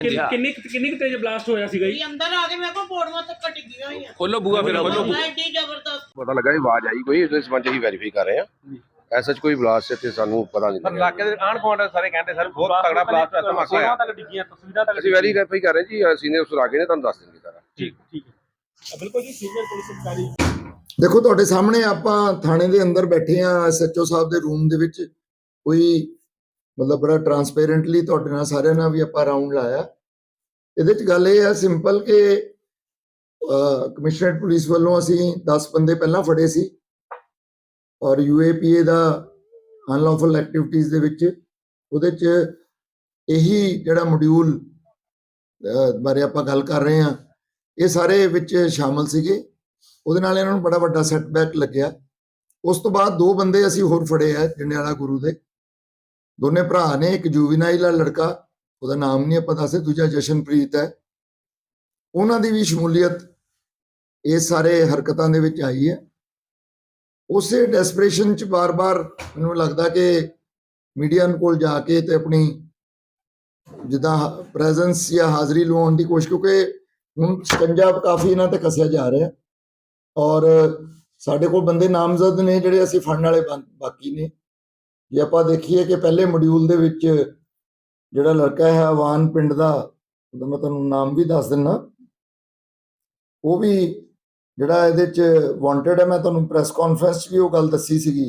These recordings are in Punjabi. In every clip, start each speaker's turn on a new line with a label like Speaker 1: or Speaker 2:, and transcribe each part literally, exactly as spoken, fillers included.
Speaker 1: ਕਿੰਨੀ ਕਿੰਨੀ ਕੁ ਤੇਜ਼ ਬਲਾਸਟ ਹੋਇਆ ਸੀਗਾ ਜੀ?
Speaker 2: ਅੰਦਰ ਆ ਕੇ ਮੇਰੇ ਕੋਲ ਪੌੜੀਆਂ ਤੱਕ ਡਿੱਗੀਆਂ ਹੋਈਆਂ।
Speaker 3: ਖੋਲੋ ਬੂਆ ਫਿਰ ਖੋਲੋ।
Speaker 2: ਐਡੀ ਜ਼ਬਰਦਸਤ
Speaker 4: ਪਤਾ ਲੱਗਾ ਇਹ ਆਵਾਜ਼ ਆਈ ਕੋਈ, ਇਸ ਸੰਬੰਧ ਹੀ ਵੈਰੀਫਾਈ ਕਰ ਰਹੇ ਆ। ਐਸਾ ਕੋਈ ਬਲਾਸਟ ਇੱਥੇ ਸਾਨੂੰ ਪਤਾ ਨਹੀਂ
Speaker 3: ਪਰ ਇਲਾਕੇ ਦੇ ਆਣ ਗੁਆਂਢ ਸਾਰੇ ਕਹਿੰਦੇ ਸਰ ਬਹੁਤ ਤਗੜਾ ਬਲਾਸਟ ਹੋਇਆ, ਧਮਾਕਾ ਹੋਇਆ।
Speaker 1: ਤੱਕ ਡਿੱਗੀਆਂ, ਤਸਵੀਰਾਂ ਤੱਕ
Speaker 4: ਅਸੀਂ ਵੈਰੀਫਾਈ ਕਰ ਰਹੇ ਜੀ, ਸੀਨੀਅਰ ਅਫਸਰ ਆ ਗਏ ਨੇ, ਤੁਹਾਨੂੰ ਦੱਸ ਦੇਣਗੇ ਸਾਰਾ।
Speaker 1: ਠੀਕ ਠੀਕ ਹੈ, ਬਿਲਕੁਲ ਜੀ। ਸੀਨੀਅਰ ਪੁਲਿਸ ਅਧਿਕਾਰੀ
Speaker 5: ਦੇਖੋ ਤੁਹਾਡੇ ਸਾਹਮਣੇ ਆਪਾਂ ਥਾਣੇ ਦੇ ਅੰਦਰ ਬੈਠੇ ਆ, ਐਸਐਚਓ ਸਾਹਿਬ ਦੇ ਰੂਮ ਦੇ ਵਿੱਚ। ਕੋਈ ਮਤਲਬ ਬੜਾ ਟਰਾਂਸਪੇਰੈਂਟਲੀ ਤੁਹਾਡੇ ਨਾਲ ਸਾਰਿਆਂ ਨਾਲ ਵੀ ਆਪਾਂ ਰਾਉਂਡ ਲਾਇਆ। ਇਹਦੇ ਚ ਗੱਲ ਇਹ ਹੈ ਸਿੰਪਲ ਕਿ ਕਮਿਸ਼ਨਰੇਟ ਪੁਲਿਸ ਵੱਲੋਂ ਅਸੀਂ ਦਸ ਬੰਦੇ ਪਹਿਲਾਂ ਫੜੇ ਸੀ ਔਰ ਯੂਏਪੀਏ ਦਾ ਅਨਲੌਫਲ ਐਕਟੀਵਿਟੀਜ਼ ਦੇ ਵਿੱਚ ਉਹਦੇ ਚ ਇਹੀ ਜਿਹੜਾ ਮੋਡਿਊਲ ਬਾਰੇ ਆਪਾਂ ਗੱਲ ਕਰ ਰਹੇ ਹਾਂ ਇਹ ਸਾਰੇ ਵਿੱਚ ਸ਼ਾਮਲ ਸੀਗੇ। ਉਹਦੇ ਨਾਲ ਇਹਨਾਂ ਨੂੰ ਬੜਾ ਵੱਡਾ ਸੈਟਬੈਕ ਲੱਗਿਆ। ਉਸ ਤੋਂ ਬਾਅਦ ਦੋ ਬੰਦੇ ਅਸੀਂ ਹੋਰ ਫੜੇ ਆ ਜੰਡਿਆਲਾ ਗੁਰੂ ਦੇ, ਦੋਨੇ ਭਰਾ ਨੇ। ਇੱਕ ਜੂਵੀਨਾਈਲ ਆ ਲੜਕਾ, ਉਹਦਾ ਨਾਮ ਨਹੀਂ ਆਪਾਂ ਦੱਸੇ, ਦੂਜਾ ਜਸ਼ਨਪ੍ਰੀਤ ਹੈ। ਉਹਨਾਂ ਦੀ ਵੀ ਸ਼ਮੂਲੀਅਤ ਇਸ ਸਾਰੇ ਹਰਕਤਾਂ ਦੇ ਵਿੱਚ ਆਈ ਹੈ। ਉਸੇ ਡੈਸਪਰੇਸ਼ਨ ਚ ਬਾਰ-ਬਾਰ ਮੈਨੂੰ ਲੱਗਦਾ ਕਿ ਮੀਡੀਆ ਕੋਲ ਜਾ ਕੇ ਤੇ ਆਪਣੀ ਜਿੱਦਾਂ ਪ੍ਰੈਜ਼ੈਂਸ ਜਾਂ ਹਾਜ਼ਰੀ ਲਵਾਉਣ ਦੀ ਕੋਸ਼ਿਸ਼, ਕਿਉਂਕਿ ਹੁਣ ਸ਼ਿਕੰਜਾ ਕਾਫੀ ਇਹਨਾਂ ਤੇ ਕੱਸਿਆ ਜਾ ਰਿਹਾ ਔਰ ਸਾਡੇ ਕੋਲ ਬੰਦੇ ਨਾਮਜ਼ਦ ਨੇ ਜਿਹੜੇ ਅਸੀਂ ਫੜਨ ਵਾਲੇ ਬਾਕੀ ਨੇ। ਜੇ ਆਪਾਂ ਦੇਖੀਏ ਕਿ ਪਹਿਲੇ ਮੋਡਿਊਲ ਦੇ ਵਿੱਚ ਜਿਹੜਾ ਲੜਕਾ ਹੈ ਆਵਾਨ ਪਿੰਡ ਦਾ, ਮੈਂ ਤੁਹਾਨੂੰ ਨਾਮ ਵੀ ਦੱਸ ਦਿੰਦਾ, ਉਹ ਵੀ ਜਿਹੜਾ ਇਹਦੇ ਚ ਵਾਂਟਡ ਹੈ। ਮੈਂ ਤੁਹਾਨੂੰ ਪ੍ਰੈਸ ਕਾਨਫਰੰਸ 'ਚ ਵੀ ਉਹ ਗੱਲ ਦੱਸੀ ਸੀਗੀ।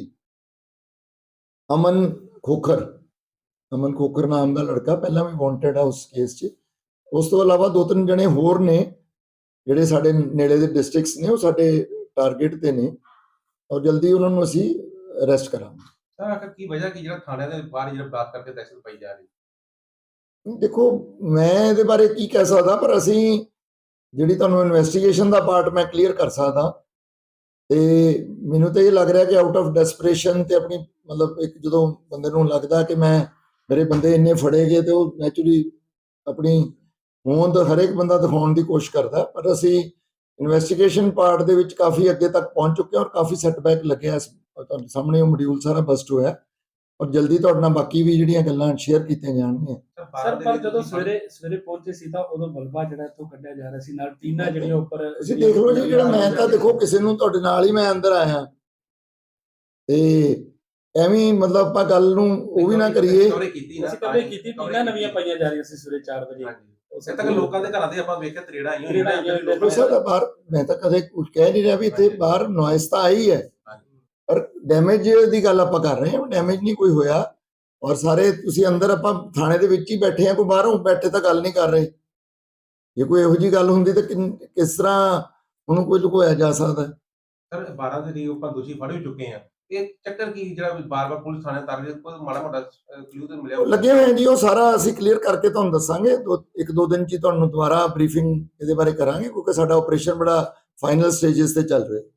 Speaker 5: ਅਮਨ ਖੋਖਰ, ਅਮਨ ਖੋਖਰ ਨਾਮ ਦਾ ਲੜਕਾ ਪਹਿਲਾਂ ਵੀ ਵਾਂਟਡ ਹੈ ਉਸ ਕੇਸ 'ਚ। ਉਸ ਤੋਂ ਇਲਾਵਾ ਦੋ ਤਿੰਨ ਜਣੇ ਹੋਰ ਨੇ ਜਿਹੜੇ ਸਾਡੇ ਨੇੜੇ ਦੇ ਡਿਸਟ੍ਰਿਕਟਸ ਨੇ, ਉਹ ਸਾਡੇ ਟਾਰਗੇਟ ਤੇ ਨੇ ਔਰ ਜਲਦੀ ਉਹਨਾਂ ਨੂੰ ਅਸੀਂ ਅਰੈਸਟ ਕਰਾਂਗੇ।
Speaker 3: ਸਰ ਆਖਰ ਕੀ ਵਜ੍ਹਾ ਕੀ ਜਿਹੜਾ ਥਾਣੇ ਦੇ ਬਾਹਰ ਜਿਹੜਾ ਬਲਾਸਟ ਕਰਕੇ ਦਹਿਸ਼ਤ ਪਾਈ ਜਾ ਰਹੀ?
Speaker 5: ਦੇਖੋ ਮੈਂ ਇਹਦੇ ਬਾਰੇ ਕੀ ਕਹਿ ਸਕਦਾ, ਪਰ ਅਸੀਂ ਜਿਹੜੀ ਤੁਹਾਨੂੰ ਇਨਵੈਸਟੀਗੇਸ਼ਨ ਦਾ ਪਾਰਟ ਮੈਂ ਕਲੀਅਰ ਕਰ ਸਕਦਾ। ਤੇ ਮੈਨੂੰ ਤਾਂ ਇਹ ਲੱਗ ਰਿਹਾ ਕਿ ਆਊਟ ਆਫ ਡੈਸਪਰੇਸ਼ਨ ਤੇ ਆਪਣੀ ਮਤਲਬ ਇੱਕ ਜਦੋਂ ਬੰਦੇ ਨੂੰ ਲੱਗਦਾ ਕਿ ਮੈਂ ਮੇਰੇ ਬੰਦੇ ਇੰਨੇ ਫੜੇ ਗਏ ਤੇ ਉਹ ਨੈਚੁਰਲੀ ਆਪਣੀ ਹੋਂਦ ਹਰੇਕ ਬੰਦਾ ਦਿਖਾਉਣ ਦੀ ਕੋਸ਼ਿਸ਼ ਕਰਦਾ। ਪਰ ਅਸੀਂ ਇਨਵੈਸਟੀਗੇਸ਼ਨ ਪਾਰਟ ਦੇ ਵਿੱਚ ਕਾਫੀ ਅੱਗੇ ਤੱਕ ਪਹੁੰਚ ਚੁੱਕੇ ਔਰ ਕਾਫੀ ਸੈਟਬੈਕ ਲੱਗਿਆ। ਤੁਹਾਡੇ ਸਾਹਮਣੇ ਉਹ ਮੋਡਿਊਲ ਸਾਰਾ ਬਸਟ ਹੋਇਆ ਔਰ ਜਲਦੀ ਤੁਹਾਡੇ ਨਾਲ ਬਾਕੀ ਵੀ ਜਿਹੜੀਆਂ ਗੱਲਾਂ ਸ਼ੇਅਰ ਕੀਤੀਆਂ ਜਾਣਗੀਆਂ।
Speaker 1: ਸਰ ਪਰ ਜਦੋਂ ਸਵੇਰੇ ਸਵੇਰੇ ਪਹੁੰਚੇ ਸੀ ਤਾਂ ਉਦੋਂ ਮਲਬਾ ਜਿਹੜਾ ਇੱਥੋਂ ਕੱਢਿਆ ਜਾ ਰਿਹਾ ਸੀ, ਨਾਲ ਟੀਨਾਂ ਜਿਹੜੀਆਂ ਉੱਪਰ।
Speaker 5: ਤੁਸੀਂ ਦੇਖ ਲਓ ਜੀ, ਜਿਹੜਾ ਮੈਂ ਤਾਂ ਦੇਖੋ ਕਿਸੇ ਨੂੰ ਤੁਹਾਡੇ ਨਾਲ ਹੀ ਮੈਂ ਅੰਦਰ ਆਇਆ ਤੇ ਐਵੇਂ ਮਤਲਬ ਆਪਾਂ ਗੱਲ ਨੂੰ ਉਹ ਵੀ ਨਾ ਕਰੀਏ।
Speaker 1: ਅਸੀਂ ਕਦੇ ਕੀਤੀ, ਟੀਨਾਂ ਨਵੀਆਂ ਪਾਈਆਂ ਜਾ ਰਹੀਆਂ ਸੀ ਸਵੇਰੇ ਚਾਰ ਵਜੇ।
Speaker 3: ਉਸੇ ਤੱਕ ਲੋਕਾਂ ਦੇ ਘਰਾਂ ਦੇ ਆਪਾਂ ਵੇਖਿਆ ਤਰੇੜਾ ਆਈਆਂ ਹੋਈਆਂ।
Speaker 5: ਸਰ ਬਾਹਰ ਮੈਂ ਤਾਂ ਕਦੇ ਕੁਝ ਕਹਿ ਨਹੀਂ ਰਿਹਾ ਵੀ ਇੱਥੇ ਬਾਹਰ ਨੋਇਸ ਤਾਂ ਆਈ ਹੈ, ਪਰ ਡੈਮੇਜ ਦੀ ਗੱਲ ਆਪਾਂ ਕਰ ਰਹੇ ਹਾਂ। ਡੈਮੇਜ ਨਹੀਂ ਕੋਈ ਹੋਇਆ ਔਰ ਸਾਰੇ ਤੁਸੀਂ ਅੰਦਰ ਆਪਾਂ ਥਾਣੇ ਦੇ ਵਿੱਚ ਹੀ ਬੈਠੇ ਆ, ਕੋਈ ਬਾਹਰੋਂ ਬੈਠੇ ਤਾਂ ਗੱਲ ਨਹੀਂ ਕਰ ਰਹੇ। ਜੇ ਕੋਈ ਇਹੋ ਜਿਹੀ ਗੱਲ ਹੁੰਦੀ ਤਾਂ ਕਿਸ ਤਰ੍ਹਾਂ ਉਹਨੂੰ ਕੋਈ ਲੁਕੋਇਆ ਜਾ ਸਕਦਾ?
Speaker 3: ਸਰ ਬਾਰਾਂ ਦੇ ਲਈ ਆਪਾਂ ਦੋਸ਼ੀ ਫੜ ਵੀ ਚੁੱਕੇ ਆ। ਇਹ ਚੱਕਰ ਕੀ ਜਿਹੜਾ ਬਾਰ-ਬਾਰ ਪੁਲਿਸ ਥਾਣੇ ਤਰ ਰਹੀ, ਕੋਈ ਮਾੜਾ ਮੋਟਾ ਕਲੂ ਤੇ ਮਿਲਿਆ?
Speaker 5: ਲੱਗੇ ਹੋਏ ਜੀ, ਉਹ ਸਾਰਾ ਅਸੀਂ ਕਲੀਅਰ ਕਰਕੇ ਤੁਹਾਨੂੰ ਦੱਸਾਂਗੇ। ਦੋ ਇੱਕ ਦੋ ਦਿਨ ਚ ਤੁਹਾਨੂੰ ਦੁਬਾਰਾ ਬਰੀਫਿੰਗ ਇਹਦੇ ਬਾਰੇ ਕਰਾਂਗੇ, ਕਿਉਂਕਿ ਸਾਡਾ ਆਪਰੇਸ਼ਨ ਬੜਾ ਫਾਈਨਲ ਸਟੇਜਸ ਤੇ ਚੱਲ ਰਿਹਾ।